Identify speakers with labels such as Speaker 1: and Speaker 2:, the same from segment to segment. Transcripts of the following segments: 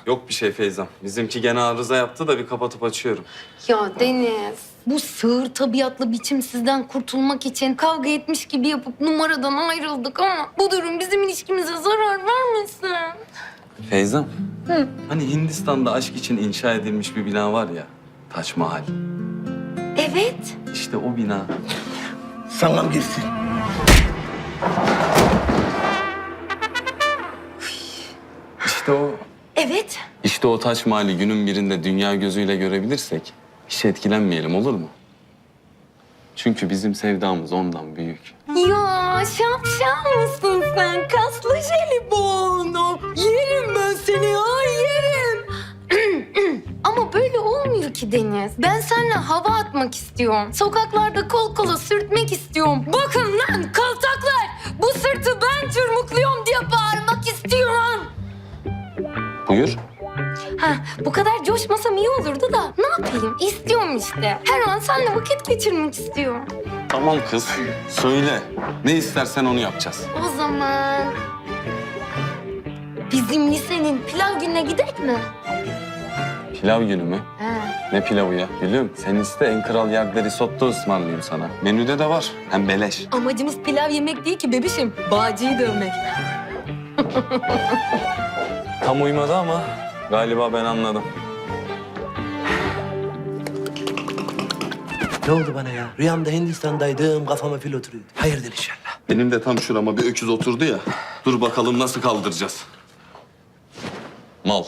Speaker 1: Yok bir şey Feyzam. Bizimki gene arıza yaptı da bir kapatıp açıyorum.
Speaker 2: Ya Deniz, bu sığır tabiatlı biçimsizden kurtulmak için kavga etmiş gibi yapıp numaradan ayrıldık ama bu durum bizim ilişkimize zarar vermesin.
Speaker 1: Feyzam.
Speaker 2: Hı.
Speaker 1: Hani Hindistan'da aşk için inşa edilmiş bir bina var ya. Taç Mahal.
Speaker 2: Evet.
Speaker 1: İşte o bina.
Speaker 3: Sağlam girsin.
Speaker 1: İşte o.
Speaker 2: Evet.
Speaker 1: İşte o Taç Mahal'i günün birinde dünya gözüyle görebilirsek hiç etkilenmeyelim, olur mu? Çünkü bizim sevdamız ondan büyük.
Speaker 2: Ya şapşal mısın sen? Kaslı jelibon. Yerim ben seni, ay yerim. Ama böyle olmuyor ki Deniz. Ben seninle hava atmak istiyorum. Sokaklarda kol kola sürtmek istiyorum. Bakın lan kaltaklar. Bu sırtı ben çırmıklıyorum diye bağırmak istiyorum.
Speaker 1: Buyur.
Speaker 2: Ha, bu kadar coşmasam iyi olurdu da ne yapayım? İstiyorum işte. Her an seninle vakit geçirmek istiyorum.
Speaker 1: Tamam kız. Söyle. Ne istersen onu yapacağız.
Speaker 2: O zaman bizim lisenin pilav gününe gidelim mi?
Speaker 1: Pilav günü mü?
Speaker 2: He.
Speaker 1: Ne pilavı ya? Gülüm sen iste en kral yerde risotto ısmarlayayım sana. Menüde de var. Hem beleş.
Speaker 2: Amacımız pilav yemek değil ki bebişim. Bağcıyı dövmek.
Speaker 1: Tam uymadı ama galiba ben anladım.
Speaker 3: Ne oldu bana ya? Rüyamda Hindistan'daydım, kafama fil oturuyordu. Hayırdır inşallah.
Speaker 1: Benim de tam şurama bir öküz oturdu ya. Dur bakalım nasıl kaldıracağız. Mal.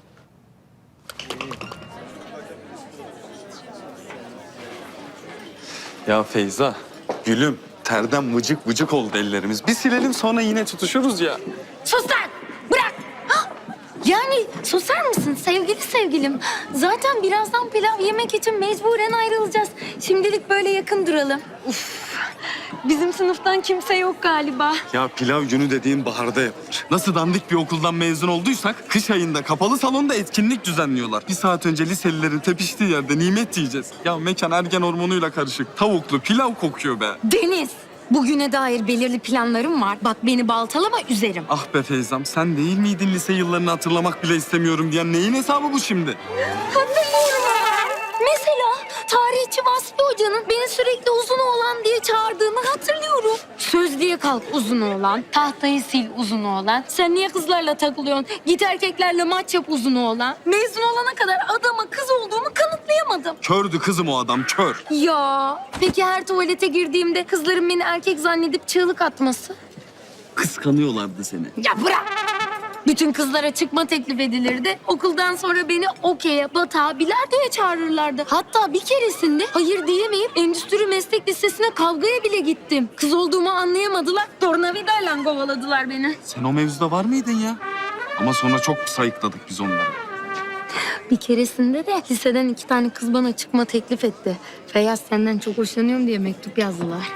Speaker 1: Ya Feyza, gülüm terden vıcık vıcık oldu ellerimiz. Bir silelim sonra yine tutuşuruz ya.
Speaker 2: Sus lan! Bırak! Hah! Yani susar mısın sevgili sevgilim? Zaten birazdan pilav yemek için mecburen ayrılacağız. Şimdilik böyle yakın duralım. Uf! Bizim sınıftan kimse yok galiba.
Speaker 1: Ya pilav günü dediğin baharda yapılır. Nasıl dandik bir okuldan mezun olduysak kış ayında kapalı salonda etkinlik düzenliyorlar. Bir saat önce liselilerin tepiştiği yerde nimet yiyeceğiz. Ya mekan ergen hormonuyla karışık. Tavuklu pilav kokuyor be.
Speaker 2: Deniz, bugüne dair belirli planlarım var. Bak beni baltalama üzerim.
Speaker 1: Ah be Feyzam sen değil miydin lise yıllarını hatırlamak bile istemiyorum diyen neyin hesabı bu şimdi?
Speaker 2: Hatırlıyorum. Mesela tarihçi Vasfi Hoca'nın beni sürekli uzun oğlan diye çağırdığını hatırlıyorum. Sözlüğe kalk uzun oğlan, tahtayı sil uzun oğlan. Sen niye kızlarla takılıyorsun? Git erkeklerle maç yap uzun oğlan. Mezun olana kadar adama kız olduğumu kanıtlayamadım.
Speaker 1: Kördü kızım o adam kör.
Speaker 2: Ya peki her tuvalete girdiğimde kızların beni erkek zannedip çığlık atması?
Speaker 1: Kıskanıyorlardı seni.
Speaker 2: Ya bırak! Bütün kızlara çıkma teklif edilirdi. Okuldan sonra beni okey'e, batağa, bilardoya çağırırlardı. Hatta bir keresinde hayır diyemeyip endüstri meslek lisesine kavgaya bile gittim. Kız olduğumu anlayamadılar. Tornavidayla kovaladılar beni.
Speaker 1: Sen o mevzuda var mıydın ya? Ama sonra çok sayıkladık biz onları.
Speaker 2: Bir keresinde de liseden 2 tane kız bana çıkma teklif etti. Feyyaz senden çok hoşlanıyorum diye mektup yazdılar.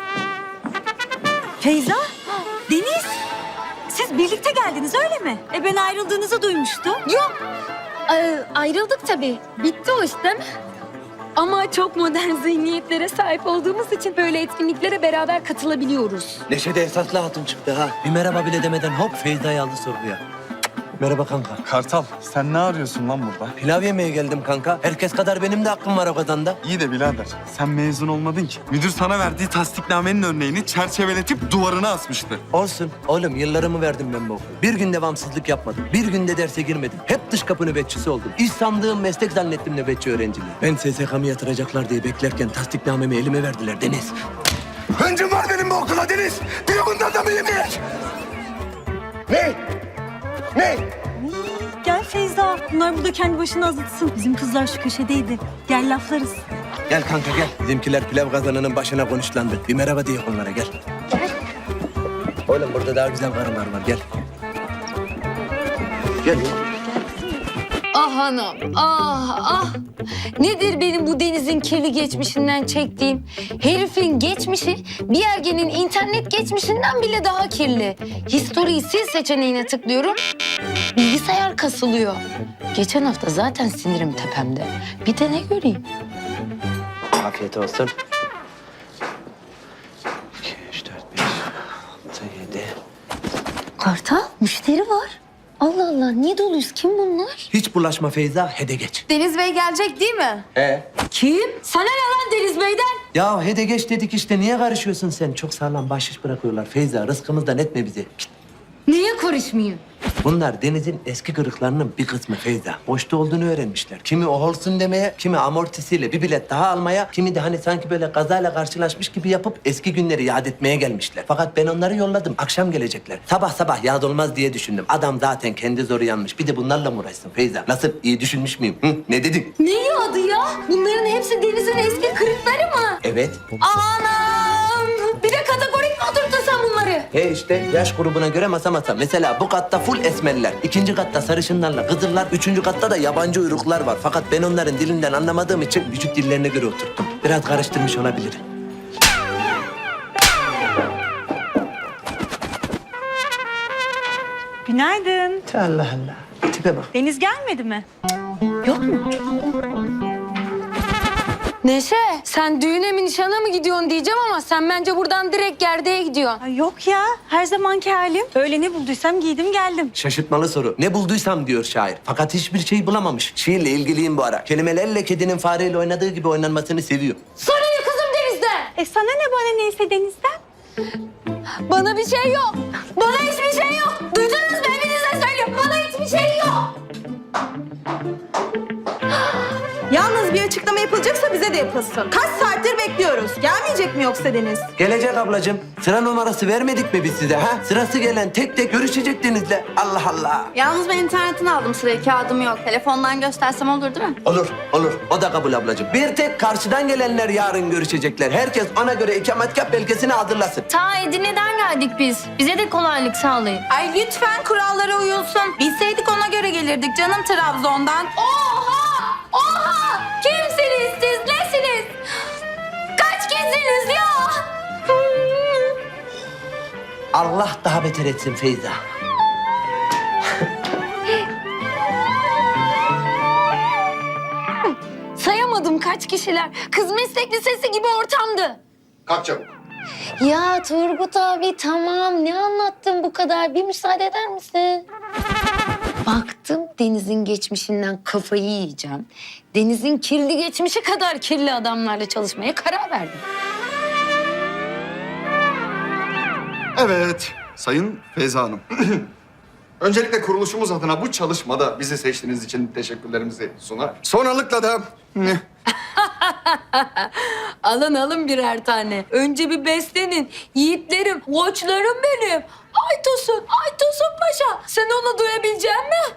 Speaker 4: Feyza, Deniz. Siz birlikte geldiniz öyle mi? Ben ayrıldığınızı duymuştum.
Speaker 2: Yok. Ayrıldık tabii. Bitti o iş değil mi? Ama çok modern zihniyetlere sahip olduğumuz için böyle etkinliklere beraber katılabiliyoruz.
Speaker 3: Neşede esaslı hatun çıktı ha. Bir merhaba bile demeden hop Feyza'yı aldı sorguya. Merhaba kanka.
Speaker 1: Kartal sen ne arıyorsun lan burada?
Speaker 3: Pilav yemeye geldim kanka. Herkes kadar benim de hakkım var o kazanda.
Speaker 1: İyi de birader sen mezun olmadın ki. Müdür sana verdiği tasdiknamenin örneğini çerçeveletip duvarına asmıştı.
Speaker 3: Olsun. Oğlum yıllarımı verdim ben bu okula. Bir gün devamsızlık yapmadım. Bir günde derse girmedim. Hep dış kapı nöbetçisi oldum. İş sandığım meslek zannettim nöbetçi öğrenciliği. Ben SSK'mı yatıracaklar diye beklerken tasdiknamemi elime verdiler Deniz. Öncüm var benim bu okula Deniz. Bir bundan da mı yemeyek? Ne? Ne?
Speaker 4: Gel Feyza. Bunlar burada kendi başına azıtsın. Bizim kızlar şu köşedeydi. Gel laflarız.
Speaker 3: Gel kanka gel. Bizimkiler pilav kazanının başına konuşlandı. Bir merhaba diye onlara gel. Oğlum burada daha güzel karılar var gel. Gel.
Speaker 2: Ah hanım, ah. Nedir benim bu denizin kirli geçmişinden çektiğim? Herifin geçmişi bir ergenin internet geçmişinden bile daha kirli. History'yi sil seçeneğine tıklıyorum. Bilgisayar kasılıyor. Geçen hafta zaten sinirim tepemde. Bir de ne göreyim?
Speaker 3: Afiyet olsun. 2, 3, 4, 5, 6, 7.
Speaker 2: Kartal, müşteri var. Allah Allah niye doluyuz? Kim bunlar?
Speaker 3: Hiç bulaşma Feyza, hede geç.
Speaker 2: Deniz Bey gelecek değil mi?
Speaker 3: He.
Speaker 2: Kim? Sana ne lan Deniz Bey'den?
Speaker 3: Ya hede geç dedik işte, niye karışıyorsun sen? Çok sağlam bahşiş bırakıyorlar Feyza, rızkımızdan etme bizi. Git.
Speaker 2: Niye karışmayayım?
Speaker 3: Bunlar denizin eski kırıklarının bir kısmı Feyza. Boşta olduğunu öğrenmişler. Kimi o olsun demeye, kimi amortisiyle bir bilet daha almaya, kimi de hani sanki böyle kazayla karşılaşmış gibi yapıp eski günleri yad etmeye gelmişler. Fakat ben onları yolladım. Akşam gelecekler. Sabah sabah yad olmaz diye düşündüm. Adam zaten kendi zoru yanmış. Bir de bunlarla mı uğraşsın Feyza? Nasıl, iyi düşünmüş müyüm? Hı? Ne dedin?
Speaker 2: Ne yadı ya? Bunların hepsi Deniz'in eski kırıkları mı?
Speaker 3: Evet.
Speaker 2: Anam! Bir de kategorik mi oturttun sen bunları?
Speaker 3: He işte yaş grubuna göre masa masa. Mesela bu katta full esmerler. İkinci katta sarışınlarla kızıllar. Üçüncü katta da yabancı uyruklar var. Fakat ben onların dilinden anlamadığım için vücut dillerine göre oturttum. Biraz karıştırmış olabilirim.
Speaker 4: Günaydın.
Speaker 3: Allah Allah. Tipe bak.
Speaker 4: Deniz gelmedi mi?
Speaker 2: Yok mu? Neşe, sen düğüne mi nişana mı gidiyorsun diyeceğim ama sen bence buradan direkt gerdeğe gidiyorsun.
Speaker 4: Ay yok ya. Her zamanki halim. Öyle ne bulduysam giydim geldim.
Speaker 3: Şaşırtmalı soru. Ne bulduysam diyor şair. Fakat hiçbir şey bulamamış. Şiirle ilgiliyim bu ara. Kelimelerle kedinin fareyle oynadığı gibi oynanmasını seviyor.
Speaker 2: Sana ne kızım Deniz'den?
Speaker 4: Sana ne bana neyse Deniz'den?
Speaker 2: Bana bir şey yok. Bana hiçbir şey yok. Duydunuz mu? Hepinize söylüyorum. Bana hiçbir şey yok.
Speaker 5: Yalnız bir açıklama yapılacaksa bize de yapılsın. Kaç saattir bekliyoruz. Gelmeyecek mi yoksa Deniz?
Speaker 3: Gelecek ablacığım. Sıra numarası vermedik mi biz size ha? Sırası gelen tek tek görüşecek Deniz'le. Allah Allah.
Speaker 5: Yalnız ben internetten aldım sırayı. Kağıdım yok. Telefondan göstersem olur değil mi?
Speaker 3: Olur, olur. O da kabul ablacığım. Bir tek karşıdan gelenler yarın görüşecekler. Herkes ona göre ikametgah belgesini hazırlasın.
Speaker 2: Ta Edirne'den geldik biz. Bize de kolaylık sağlayın.
Speaker 5: Ay lütfen kurallara uyulsun. Bilseydik ona göre gelirdik canım Trabzon'dan.
Speaker 2: Oha! Oha! Kimsiniz siz? Nesiniz? Kaç kişisiniz ya?
Speaker 3: Allah daha beter etsin Feyza.
Speaker 2: Sayamadım kaç kişiler. Kız meslek lisesi gibi ortamdı.
Speaker 6: Kalk çabuk.
Speaker 2: Ya Turgut abi tamam ne anlattın bu kadar? Bir müsaade eder misin? Baktım Deniz'in geçmişinden kafayı yiyeceğim. Deniz'in kirli geçmişi kadar kirli adamlarla çalışmaya karar verdim.
Speaker 6: Evet, Sayın Feyza Hanım. Öncelikle kuruluşumuz adına bu çalışmada bizi seçtiğiniz için teşekkürlerimizi sunar. Sonralıkla da...
Speaker 2: Alın birer tane. Önce bir beslenin. Yiğitlerim, koçlarım benim. Aytosun Paşa. Sen onu duyabilecek misin?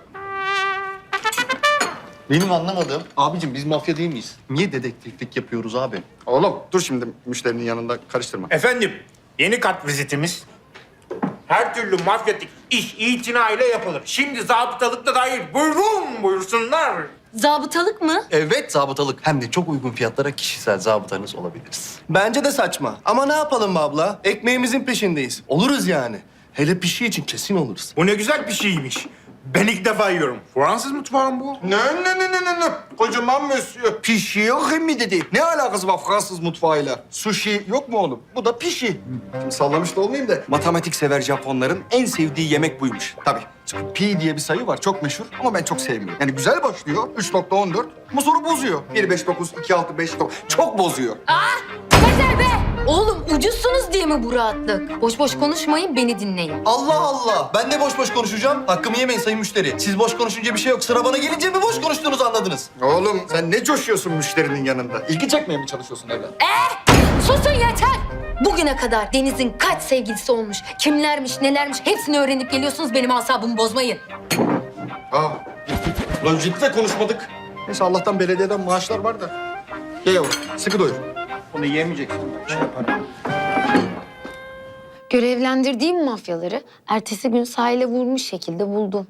Speaker 6: Benim anlamadığım... Abicim biz mafya değil miyiz? Niye dedektiflik yapıyoruz abi? Oğlum dur şimdi müşterinin yanında karıştırma.
Speaker 7: Efendim, yeni kat vizitimiz. Her türlü mafyatik iş itinayla yapılır. Şimdi zabıtalık da dahil. Buyursunlar.
Speaker 2: Zabıtalık mı?
Speaker 8: Evet zabıtalık. Hem de çok uygun fiyatlara kişisel zabıtanız olabiliriz.
Speaker 9: Bence de saçma. Ama ne yapalım be abla? Ekmeğimizin peşindeyiz. Oluruz yani. Hele pişi için kesin oluruz.
Speaker 7: Bu ne güzel bir şeymiş. Ben ilk defa yiyorum. Fransız mutfağı mı bu?
Speaker 6: Ne? Kocaman monsieur. Pişi yok mi dedi. Ne alakası var Fransız mutfağıyla? Sushi yok mu oğlum? Bu da pişi. Şimdi sallamış da olmayayım da matematik sever Japonların en sevdiği yemek buymuş. Tabii. Çünkü pi diye bir sayı var çok meşhur ama ben çok sevmiyorum. Yani güzel başlıyor 3.14 ama sonra bozuyor. 1.59, 2.6, 5.9 çok bozuyor.
Speaker 2: Yeter be! Oğlum ucuzsunuz diye mi bu rahatlık? Boş boş konuşmayın, beni dinleyin.
Speaker 9: Allah Allah. Ben de boş boş konuşacağım. Hakkımı yemeyin sayın müşteri. Siz boş konuşunca bir şey yok. Sıra bana gelince mi boş konuştuğunuzu anladınız?
Speaker 6: Oğlum sen ne coşuyorsun müşterinin yanında? İlgi çekmeye mi çalışıyorsun evlat?
Speaker 2: Susun yeter! Bugüne kadar Deniz'in kaç sevgilisi olmuş, kimlermiş, nelermiş hepsini öğrenip geliyorsunuz, benim asabımı bozmayın.
Speaker 6: Lan ciddi de konuşmadık. Neyse Allah'tan belediyeden maaşlar var da. Ye yavrum sıkı doyur. Onu yemeyeceksin. Şey yaparım.
Speaker 2: Görevlendirdiğim mafyaları ertesi gün sahile vurmuş şekilde buldum.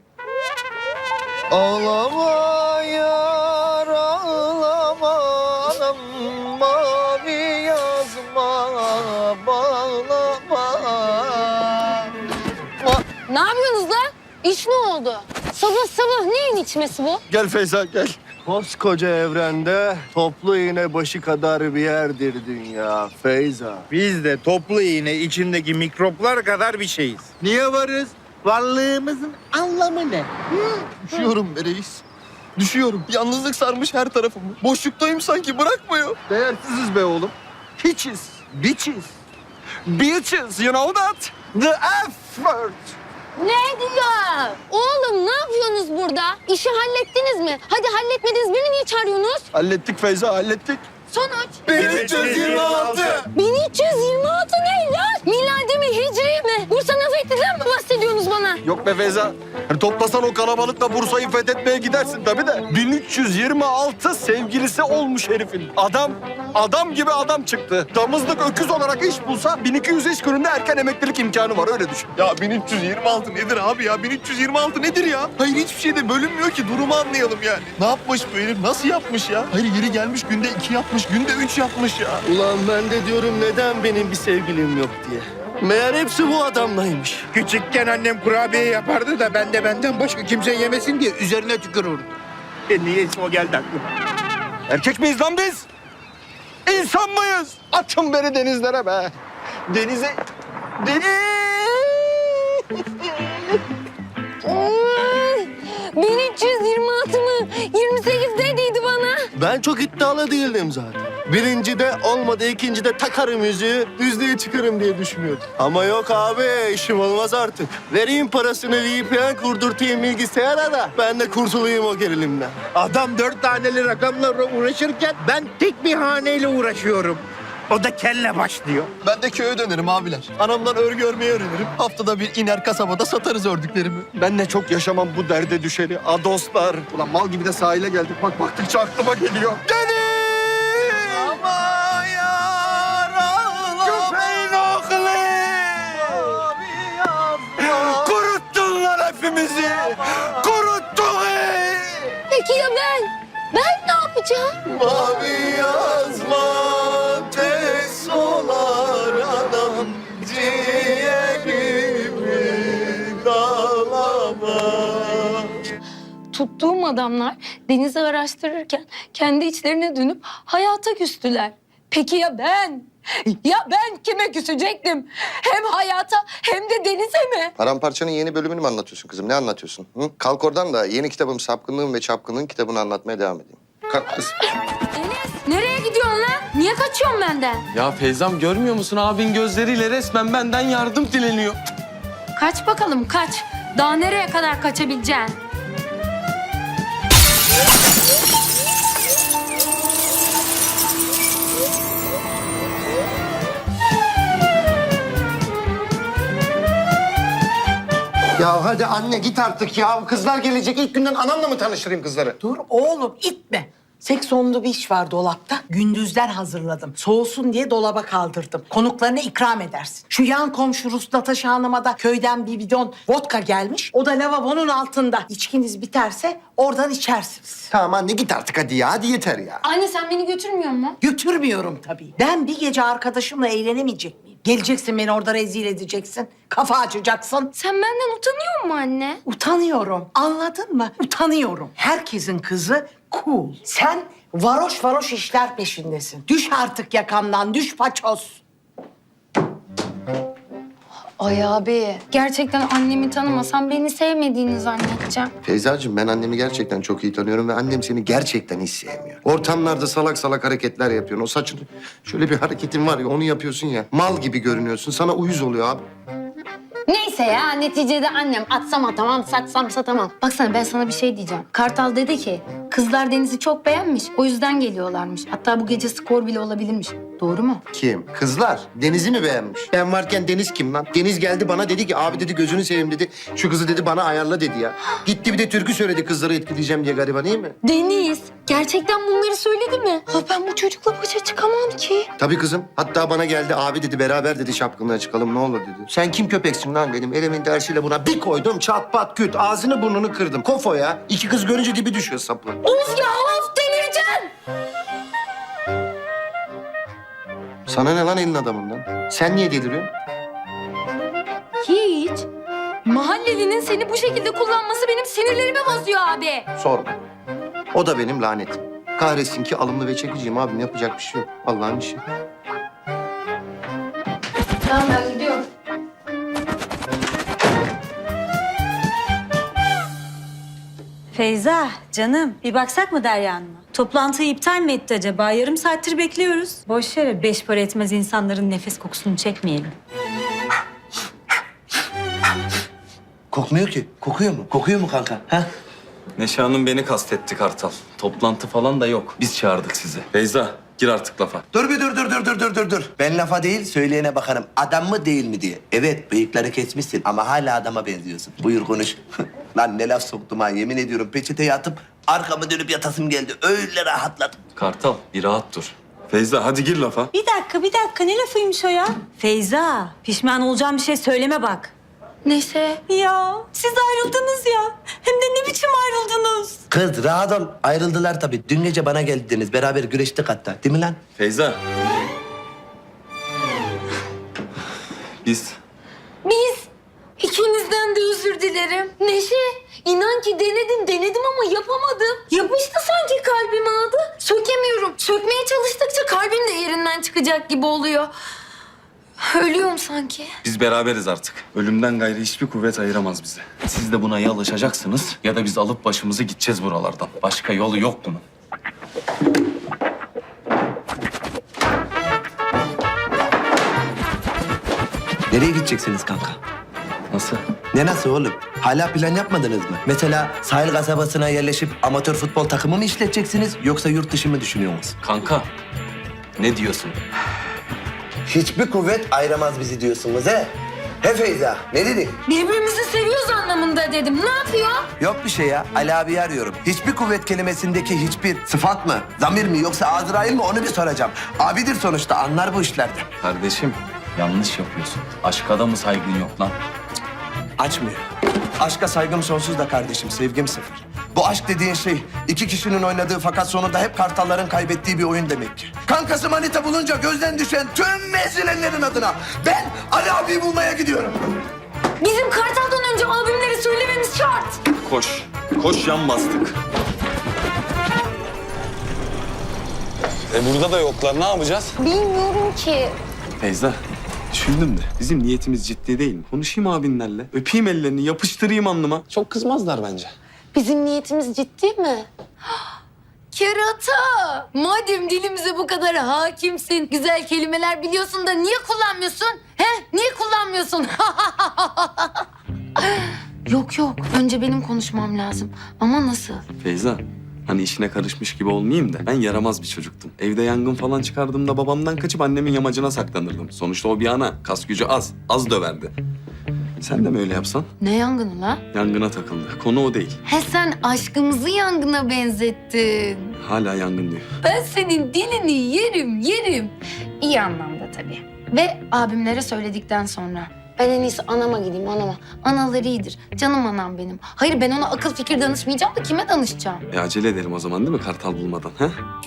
Speaker 9: Ağlama yar ağlama anam mavi yazma bağlama.
Speaker 2: Ne yapıyorsunuz lan? İş ne oldu? Sabah sabah neyin içmesi bu?
Speaker 9: Gel Feyza gel. Koskoca evrende toplu iğne başı kadar bir yerdir dünya Feyza.
Speaker 7: Biz de toplu iğne içindeki mikroplar kadar bir şeyiz.
Speaker 9: Niye varız?
Speaker 10: Varlığımızın anlamı ne?
Speaker 9: Düşüyorum be reis. Düşüyorum. Yalnızlık sarmış her tarafımı. Boşluktayım sanki, bırakmıyor.
Speaker 6: Değersiziz be oğlum. Hiçiz. Bitches. Bitches, you know that? The F word.
Speaker 2: Ne diyor? Oğlum ne yapıyorsunuz burada? İşi hallettiniz mi? Hadi halletmediniz, beni niye çağırıyorsunuz?
Speaker 6: Hallettik Feyza, hallettik.
Speaker 2: Sonuç?
Speaker 9: 1326.
Speaker 2: 1326 ne lan? Miladi mi, hicri mi? Bursa Nefetti'den mi bahsediyorsunuz bana?
Speaker 6: Yok be Feyza. Hani toplasan o kalabalıkla Bursa'yı fethetmeye gidersin tabii de. 1326 sevgilisi olmuş herifin. Adam gibi adam çıktı. Damızlık öküz olarak iş bulsa 1200 iş gününde erken emeklilik imkanı var, öyle düşün.
Speaker 9: Ya 1326 nedir abi ya? 1326 nedir ya? Hayır, hiçbir şeyde bölünmüyor ki. Durumu anlayalım yani. Ne yapmış bu herif? Nasıl yapmış ya? Hayır, yeri gelmiş günde 2 yapmış, günde 3 yapmış ya.
Speaker 10: Ulan ben de diyorum neden benim bir sevgilim yok diye. Meğer hepsi bu adamlaymış.
Speaker 7: Küçükken annem kurabiye yapardı da ben de benden başka kimse yemesin diye üzerine tükürürdüm. Niyeyse o geldi aklıma.
Speaker 6: Erkek miyiz lan biz? İnsan mıyız? Atın beni denizlere be. Denize...
Speaker 2: Ay, 1326 mı? 28 dediydi bana.
Speaker 10: Ben çok iddialı değildim zaten. Birincide olmadı, ikincide takarım yüzüğü, düzlüğe çıkarım diye düşünüyordum. Ama yok abi, işim olmaz artık. Vereyim parasını VPN kurdurtayım bilgisayara da ben de kurtulayım o gerilimden.
Speaker 7: Adam 4 taneli rakamlarla uğraşırken ben tek bir haneyle uğraşıyorum. O da kelle başlıyor.
Speaker 9: Ben de köye dönerim abiler. Anamdan örgü örmeyi öğrenirim. Haftada bir iner kasabada satarız ördüklerimi.
Speaker 6: Ben de çok yaşamam bu derde düşeni. Adoslar. Ulan mal gibi de sahile geldik. Bak baktıkça aklıma geliyor. Deniz!
Speaker 9: Ama yar ağlama.
Speaker 6: Köpeğin oğlu! Kuruttunlar hepimizi. Kuruttun!
Speaker 2: Peki ya ben? Ben ne yapacağım?
Speaker 9: Mavi yazma tez olar anam ciğerimi dağlama.
Speaker 2: Tuttuğum adamlar denizi araştırırken kendi içlerine dönüp hayata küstüler. Peki ya ben? Ya ben kime küsecektim? Hem hayata hem de denize mi?
Speaker 11: Paramparçanın yeni bölümünü mü anlatıyorsun kızım? Ne anlatıyorsun? Hı? Kalk oradan da yeni kitabım Sapkınlığın ve Çapkınlığın kitabını anlatmaya devam edeyim. Kalk kız.
Speaker 2: Deniz nereye gidiyorsun lan? Niye kaçıyorsun benden?
Speaker 1: Ya Feyzam, görmüyor musun? Abin gözleriyle resmen benden yardım dileniyor.
Speaker 2: Kaç bakalım kaç. Daha nereye kadar kaçabileceksin?
Speaker 11: Ya hadi anne git artık ya. Kızlar gelecek. İlk günden anamla mı tanıştırayım kızları?
Speaker 12: Dur oğlum itme. Seksonlu bir iş var dolapta. Gündüzden hazırladım. Soğusun diye dolaba kaldırdım. Konuklarına ikram edersin. Şu yan komşu Rus Natasha Hanım'a da köyden bir bidon vodka gelmiş. O da lavabonun altında. İçkiniz biterse oradan içersiniz.
Speaker 11: Tamam anne git artık hadi ya. Hadi yeter ya.
Speaker 2: Anne sen beni götürmüyor musun?
Speaker 12: Götürmüyorum tabii. Ben bir gece arkadaşımla eğlenemeyecek miyim? Geleceksin beni orada rezil edeceksin. Kafa açacaksın.
Speaker 2: Sen benden utanıyor musun anne?
Speaker 12: Utanıyorum. Anladın mı? Utanıyorum. Herkesin kızı cool. Sen varoş varoş işler peşindesin. Düş artık yakamdan, düş paçoz.
Speaker 2: Ay abi. Gerçekten annemi tanımasam beni sevmediğini zannedeceğim.
Speaker 11: Feyzacığım ben annemi gerçekten çok iyi tanıyorum ve annem seni gerçekten hiç sevmiyor. Ortamlarda salak salak hareketler yapıyorsun. O saçını şöyle bir hareketin var ya onu yapıyorsun ya. Mal gibi görünüyorsun. Sana uyuz oluyor abi.
Speaker 2: Neyse ya neticede annem atsam atamam satsam satamam. Baksana ben sana bir şey diyeceğim. Kartal dedi ki kızlar Deniz'i çok beğenmiş o yüzden geliyorlarmış. Hatta bu gece skor bile olabilirmiş. Doğru mu?
Speaker 11: Kim? Kızlar. Deniz'i mi beğenmiş? Ben varken Deniz kim lan? Deniz geldi bana dedi ki abi dedi gözünü seveyim dedi. Şu kızı dedi bana ayarla dedi ya. Gitti bir de türkü söyledi kızları etkileyeceğim diye gariban iyi mi?
Speaker 2: Deniz gerçekten bunları söyledi mi? Ha ben bu çocukla başa çıkamam ki.
Speaker 11: Tabii kızım. Hatta bana geldi abi dedi beraber dedi şapkınlığa çıkalım ne olur dedi. Sen kim köpeksin lan dedim. Elimin dersiyle buna bir koydum çat pat küt. Ağzını burnunu kırdım. Kofo ya. İki kız görünce dibi düşüyor sapı.
Speaker 2: Of ya of delireceğim.
Speaker 11: Sana ne lan elin adamından? Sen niye deliriyorsun?
Speaker 2: Hiç. Mahallelinin seni bu şekilde kullanması benim sinirlerimi bozuyor abi.
Speaker 11: Sorma. O da benim lanetim. Kahretsin ki alımlı ve çekiciyim abim. Yapacak bir şey yok. Allah'ın işi.
Speaker 2: Tamam ben gidiyorum.
Speaker 4: Feyza, canım bir baksak mı Derya Hanım'a? Toplantıyı iptal mi etti acaba? Yarım saattir bekliyoruz. Boş yere 5 para etmez insanların nefes kokusunu çekmeyelim.
Speaker 3: Kokmuyor ki. Kokuyor mu? Kokuyor mu kanka? Ha?
Speaker 1: Neşe Hanım beni kastetti Kartal. Toplantı falan da yok. Biz çağırdık sizi. Feyza, gir artık lafa.
Speaker 3: Dur bir dur. Ben lafa değil söyleyene bakarım. Adam mı değil mi diye. Evet bıyıkları kesmişsin ama hala adama benziyorsun. Buyur konuş. Lan ne laf soktum ha yemin ediyorum. Peçeteye atıp arkamı dönüp yatasım geldi. Öyle rahatladım.
Speaker 1: Kartal, bir rahat dur. Feyza, hadi gir lafa.
Speaker 4: Bir dakika. Ne lafıymış o ya? Feyza, pişman olacağım bir şey söyleme bak.
Speaker 2: Neşe.
Speaker 4: Ya siz ayrıldınız ya. Hem de ne biçim ayrıldınız?
Speaker 3: Kız rahat ol. Ayrıldılar tabii. Dün gece bana geldiniz. Beraber güreştik hatta. Değil mi lan?
Speaker 1: Feyza. Biz
Speaker 2: İkinizden de özür dilerim. Neşe, inan ki denedim ama yapamadım. Yapıştı sanki kalbime adı. Sökemiyorum. Sökmeye çalıştıkça kalbim de yerinden çıkacak gibi oluyor. Ölüyorum sanki.
Speaker 1: Biz beraberiz artık. Ölümden gayrı hiçbir kuvvet ayıramaz bizi. Siz de buna ya alışacaksınız ya da biz alıp başımızı gideceğiz buralardan. Başka yolu yok bunun.
Speaker 3: Nereye gideceksiniz kanka?
Speaker 1: Nasıl?
Speaker 3: Ne nasıl oğlum? Hala plan yapmadınız mı? Mesela sahil kasabasına yerleşip amatör futbol takımı mı işleteceksiniz yoksa yurt dışı mı düşünüyorsunuz?
Speaker 1: Kanka, ne diyorsun?
Speaker 3: Hiçbir kuvvet ayıramaz bizi diyorsunuz he? He Feyza, ne dedin?
Speaker 2: Birbirimizi seviyoruz anlamında dedim. Ne yapıyor?
Speaker 3: Yok bir şey ya, Ali abi arıyorum. Hiçbir kuvvet kelimesindeki hiçbir sıfat mı, zamir mi yoksa Azrail mi onu bir soracağım. Abidir sonuçta, anlar bu işlerden.
Speaker 1: Kardeşim, yanlış yapıyorsun. Aşka da mı saygın yok lan?
Speaker 3: Açmıyor. Aşka saygım sonsuz da kardeşim, sevgim sıfır. Bu aşk dediğin şey iki kişinin oynadığı fakat sonunda hep kartalların kaybettiği bir oyun demek ki. Kankası manita bulunca gözden düşen tüm mezilenlerin adına ben Ali abiyi bulmaya gidiyorum.
Speaker 2: Bizim Kartal'dan önce albümleri söylememiz şart.
Speaker 1: Koş yan bastık.
Speaker 9: Burada da yoklar. Ne yapacağız?
Speaker 2: Bilmiyorum ki.
Speaker 1: Feyza, düşündüm de bizim niyetimiz ciddi değil mi? Konuşayım abinlerle, öpeyim ellerini, yapıştırayım alnıma.
Speaker 9: Çok kızmazlar bence.
Speaker 2: Bizim niyetimiz ciddi mi? Kerata! Madem dilimize bu kadar hakimsin, güzel kelimeler biliyorsun da niye kullanmıyorsun? He? Niye kullanmıyorsun? Yok. Önce benim konuşmam lazım. Ama nasıl?
Speaker 1: Feyza, hani işine karışmış gibi olmayayım da ben yaramaz bir çocuktum. Evde yangın falan çıkardığımda babamdan kaçıp annemin yamacına saklanırdım. Sonuçta o bir ana, kas gücü az döverdi. Sen de mi öyle yapsan?
Speaker 2: Ne yangını la?
Speaker 1: Yangına takıldı. Konu o değil.
Speaker 2: He sen aşkımızı yangına benzettin.
Speaker 1: Hala yangın diyor.
Speaker 2: Ben senin dilini yerim. İyi anlamda tabii. Ve abimlere söyledikten sonra. Ben en iyisi anama gideyim, anama. Anaları iyidir. Canım anam benim. Hayır ben ona akıl fikir danışmayacağım da kime danışacağım?
Speaker 1: Acele edelim o zaman değil mi kartal bulmadan? Ha?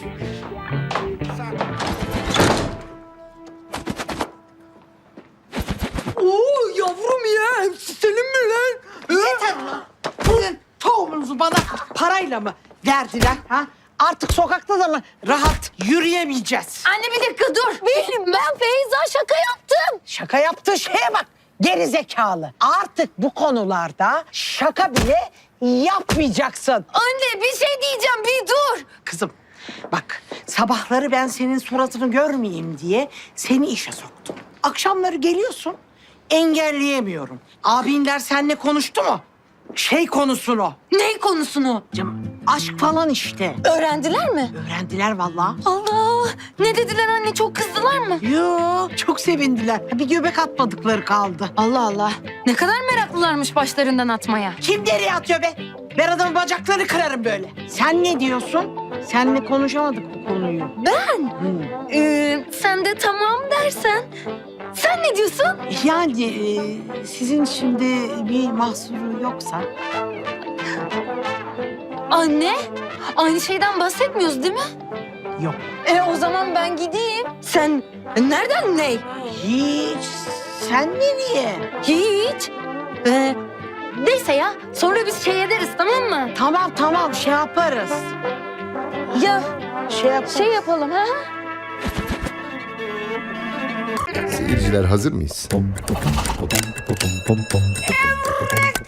Speaker 12: Oo yavrum ya hepsi senin mi lan? Yeter lan. Tohumunuzu bana parayla mı verdiler ha? Artık sokakta da rahat yürüyemeyeceğiz.
Speaker 2: Anne bir dakika dur. Ben Feyza şaka yaptım.
Speaker 12: Şaka yaptığı şeye bak. Geri zekalı. Artık bu konularda şaka bile yapmayacaksın.
Speaker 2: Anne bir şey diyeceğim bir dur.
Speaker 12: Kızım bak sabahları ben senin suratını görmeyeyim diye seni işe soktum. Akşamları geliyorsun engelleyemiyorum. Abinler seninle konuştu mu? Şey konusunu.
Speaker 2: Ne konusunu?
Speaker 12: Canım, aşk falan işte.
Speaker 2: Öğrendiler mi?
Speaker 12: Öğrendiler vallahi.
Speaker 2: Allah! Ne dediler anne? Çok kızdılar mı?
Speaker 12: Yo, çok sevindiler. Bir göbek atmadıkları kaldı.
Speaker 2: Allah Allah. Ne kadar meraklılarmış başlarından atmaya.
Speaker 12: Kim nereye atıyor be? Ben adamın bacaklarını kırarım böyle. Sen ne diyorsun? Seninle konuşamadık bu konuyu.
Speaker 2: Ben? Sen de tamam dersen. Sen ne diyorsun?
Speaker 12: Yani sizin şimdi bir mahsuru yoksa...
Speaker 2: Anne, aynı şeyden bahsetmiyoruz değil mi?
Speaker 12: Yok.
Speaker 2: O zaman ben gideyim. Sen nereden ne?
Speaker 12: Hiç. Sen nereye?
Speaker 2: Hiç. Neyse ya, sonra biz şey ederiz tamam mı?
Speaker 12: Tamam şey yaparız.
Speaker 2: Ya
Speaker 12: Şey
Speaker 2: yapalım ha?
Speaker 11: Seyirciler hazır mıyız?